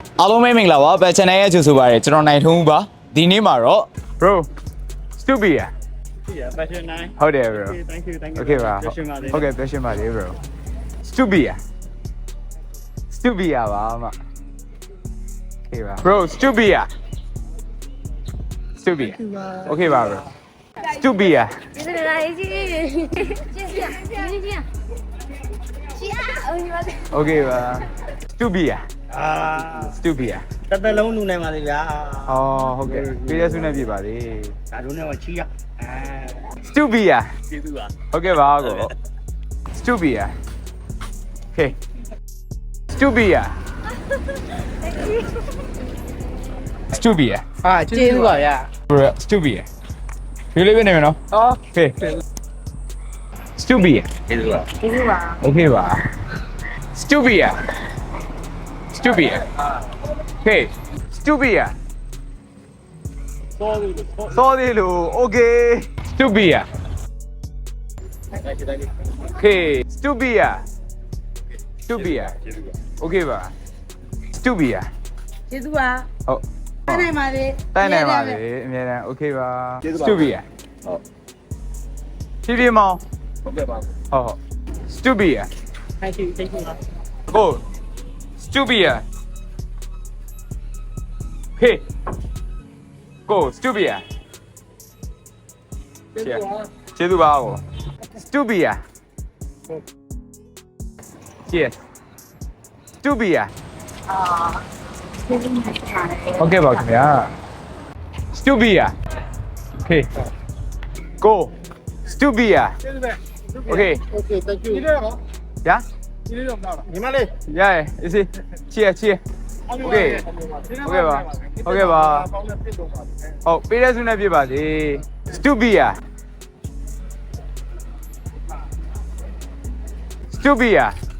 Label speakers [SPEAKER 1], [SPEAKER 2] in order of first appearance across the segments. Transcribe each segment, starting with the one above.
[SPEAKER 1] အားလုံးပဲမင်္ဂလာပါဘယ် channel ရဲ့ကြိုဆိုပါရစေကျွန်တော်နိုင်ထုံးဦးပါဒီနေ့မှာတော့ bro stupid
[SPEAKER 2] Yeah, fashion 9.
[SPEAKER 1] ဟုတ်တယ် bro
[SPEAKER 2] Okay, thank you.
[SPEAKER 1] okay ပါ
[SPEAKER 2] Fashion ပါလေ
[SPEAKER 1] ဟုတ်ကဲ့ fashion ပါလေ bro stupid stupid ပါအမ okay ပါ bro stupid stupid okay ပါ bro stupid
[SPEAKER 3] 这个来这个，
[SPEAKER 1] okay ပါ stupid
[SPEAKER 2] Ah,
[SPEAKER 1] stupid
[SPEAKER 2] တက်တက်လုံးလူနိုင်ပါလေဗျာ
[SPEAKER 1] ဟောဟုတ်ကဲ့ပြည့်ရစုနဲ့ပြပါလေ
[SPEAKER 2] ဒါတို့နဲ့ကချီရအာ
[SPEAKER 1] stupid
[SPEAKER 2] ကျေးဇူးပါ
[SPEAKER 1] ဟုတ်ကဲ့ပါကို stupid okay stupid stupid
[SPEAKER 2] အာကျေးဇူးပါဗျာ
[SPEAKER 1] bro stupid ဒီလေးပဲနေမယ်နော် okay stupid
[SPEAKER 2] ကျေးဇူးပါ
[SPEAKER 1] okay ပါ stupid stupid okay stupid sorry လို့ okay stupid okay stupid stupid okay ပါ stupid
[SPEAKER 3] ကျေးဇူးပါ
[SPEAKER 1] ဟုတ်
[SPEAKER 3] တိုင်းနိုင်ပါလေ
[SPEAKER 1] တိုင်းနိုင်ပါလေအများတန်း okay ပါ stupid ဟုတ်ဖြည်းဖြည်းမောင်း
[SPEAKER 2] ဟုတ်ကဲ့ပါ
[SPEAKER 1] ဟုတ်ဟုတ် stupid
[SPEAKER 2] thank you ပါ
[SPEAKER 1] go stupid hey go stupid ကျေးဇူးပါကို stupid yes stupid ဟုတ်ကဲ့ပါခင်ဗျာ stupid okay go stupid okay
[SPEAKER 2] okay thank you
[SPEAKER 1] 呀
[SPEAKER 2] ဒီလေးတော့မလားညီမလေး
[SPEAKER 1] 呀一起切 okay okay ပါ okay ပါဟုတ်ပေးတဲ့ဆုနဲ့ပြပါစေ stupid stupid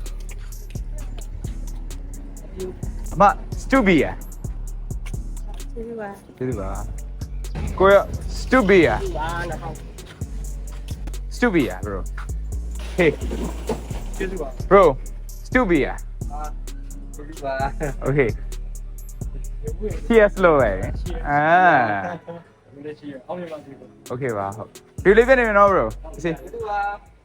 [SPEAKER 1] အမ stupid
[SPEAKER 3] ကျေးဇူးပါ
[SPEAKER 1] ကျေးဇူးပါကိုရ stupid
[SPEAKER 2] ပါလား
[SPEAKER 1] stupid bro hey
[SPEAKER 2] ကျေးဇူးပါ
[SPEAKER 1] bro stupid
[SPEAKER 2] ကျေးဇူးပါ
[SPEAKER 1] okay yes လို့ပဲအာ
[SPEAKER 2] မလေးရှိအောင်ရပါစေ
[SPEAKER 1] okay ပါဟုတ်ဒီလေးပဲနေမယ်နော် bro စီ
[SPEAKER 2] ကျေးဇူးပါ